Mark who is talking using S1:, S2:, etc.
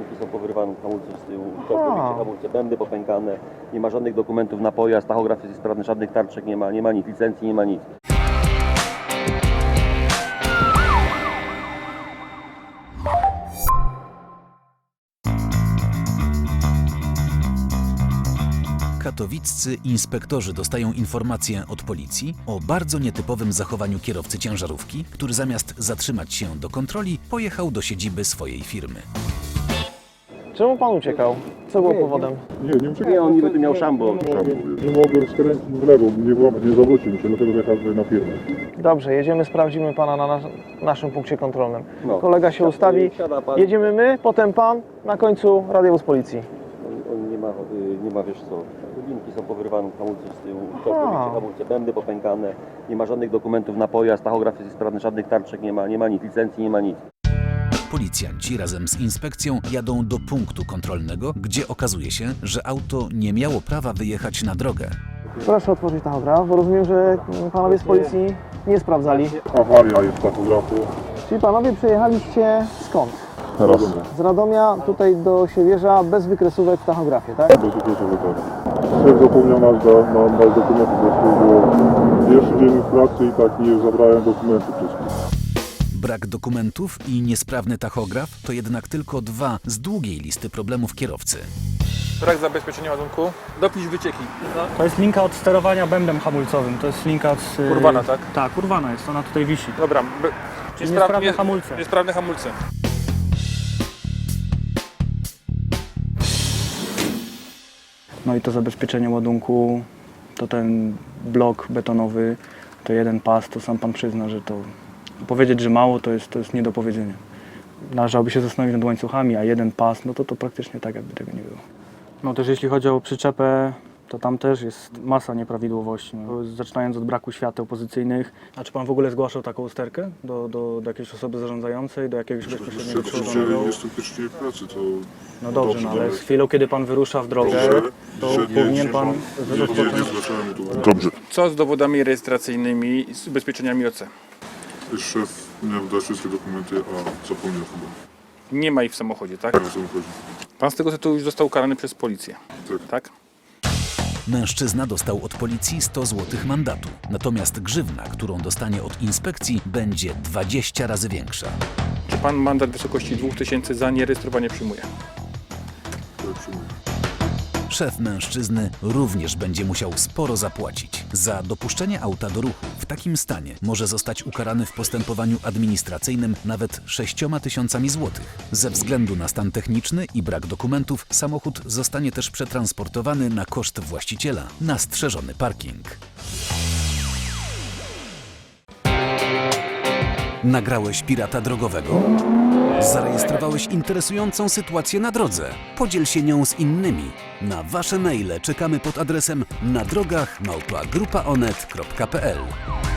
S1: linki są powyrywane, hamulce z tyłu, całkowicie hamulce, bębny popękane, nie ma żadnych dokumentów na pojazd, tachograf jest sprawny, żadnych tarczek nie ma nic, licencji nie ma nic.
S2: Katowiccy inspektorzy dostają informację od policji o bardzo nietypowym zachowaniu kierowcy ciężarówki, który zamiast zatrzymać się do kontroli, pojechał do siedziby swojej firmy.
S3: Czemu pan uciekał? Co było powodem?
S4: Nie uciekłem.
S1: Nie, on niby tu miał szambo.
S4: Nie mogłem skręcić w lewo, nie zawrócił mi się, dlatego wjechałem tutaj na firmę.
S3: Dobrze, jedziemy, sprawdzimy pana na naszym punkcie kontrolnym.
S1: No.
S3: Kolega się ustawi,
S1: Siada pan.
S3: jedziemy my, potem pan, na końcu radiowóz policji.
S1: On nie ma, wiesz co, linki są powyrywane, hamulce z tyłu, całkowicie hamulce, bębny popękane, nie ma żadnych dokumentów na pojazd, tachograf jest sprawny, żadnych tarczek nie ma nic, licencji nie ma nic.
S2: Policjanci razem z inspekcją jadą do punktu kontrolnego, gdzie okazuje się, że auto nie miało prawa wyjechać na drogę.
S3: Proszę otworzyć tachograf, bo rozumiem, że panowie z policji nie sprawdzali.
S4: Awaria jest tachografu.
S3: Czyli panowie przyjechaliście skąd?
S4: Radomia.
S3: Z Radomia tutaj do Siewierza bez wykresówek w tachografie, tak?
S4: Bez ukrycia wypadku. Szef zapomniał nas dokumentów, bo to było pierwszy dzień pracy i tak nie zabrałem dokumentów wszystkich.
S2: Brak dokumentów i niesprawny tachograf to jednak tylko dwa z długiej listy problemów kierowcy.
S5: Brak zabezpieczenia ładunku. Dopisz wycieki.
S6: To jest linka od sterowania bębnem hamulcowym. To jest linka od...
S5: Urwana, tak?
S6: Tak, urwana jest. Ona tutaj wisi.
S5: Dobra.
S6: Czyli niesprawne hamulce.
S5: Niesprawne hamulce.
S6: No i to zabezpieczenie ładunku, to ten blok betonowy, to jeden pas, to sam pan przyzna, że to... Powiedzieć, że mało, to jest nie do powiedzenia. Należałoby się zastanowić nad łańcuchami, a jeden pas, no to praktycznie tak, jakby tego nie było. No też jeśli chodzi o przyczepę, to tam też jest masa nieprawidłowości. No. Zaczynając od braku świateł pozycyjnych. A czy pan w ogóle zgłaszał taką usterkę do jakiejś osoby zarządzającej, do jakiegoś bezpośredniego przełożonego?
S4: Jestem pierwszy dzień pracy, to...
S6: No dobrze, no ale z chwilą, kiedy pan wyrusza w drogę, to powinien pan rozpocząć...
S4: Dobrze.
S5: Co z dowodami rejestracyjnymi i z ubezpieczeniami OC?
S4: Szef miał dać wszystkie dokumenty, a zapomniał chyba.
S5: Nie ma ich w samochodzie, tak?
S4: O co mi chodzi?
S5: Pan z tego tytułu już został ukarany przez policję. Tak?
S2: Mężczyzna dostał od policji 100 zł mandatu, natomiast grzywna, którą dostanie od inspekcji, będzie 20 razy większa.
S5: Czy pan mandat w wysokości 2000 za nierejestrowanie przyjmuje?
S4: Tak, przyjmuję.
S2: Szef mężczyzny również będzie musiał sporo zapłacić. Za dopuszczenie auta do ruchu w takim stanie może zostać ukarany w postępowaniu administracyjnym nawet 6000 złotych. Ze względu na stan techniczny i brak dokumentów samochód zostanie też przetransportowany na koszt właściciela na strzeżony parking. Nagrałeś pirata drogowego? Zarejestrowałeś interesującą sytuację na drodze? Podziel się nią z innymi. Na Wasze maile czekamy pod adresem nadrogach@grupaonet.pl.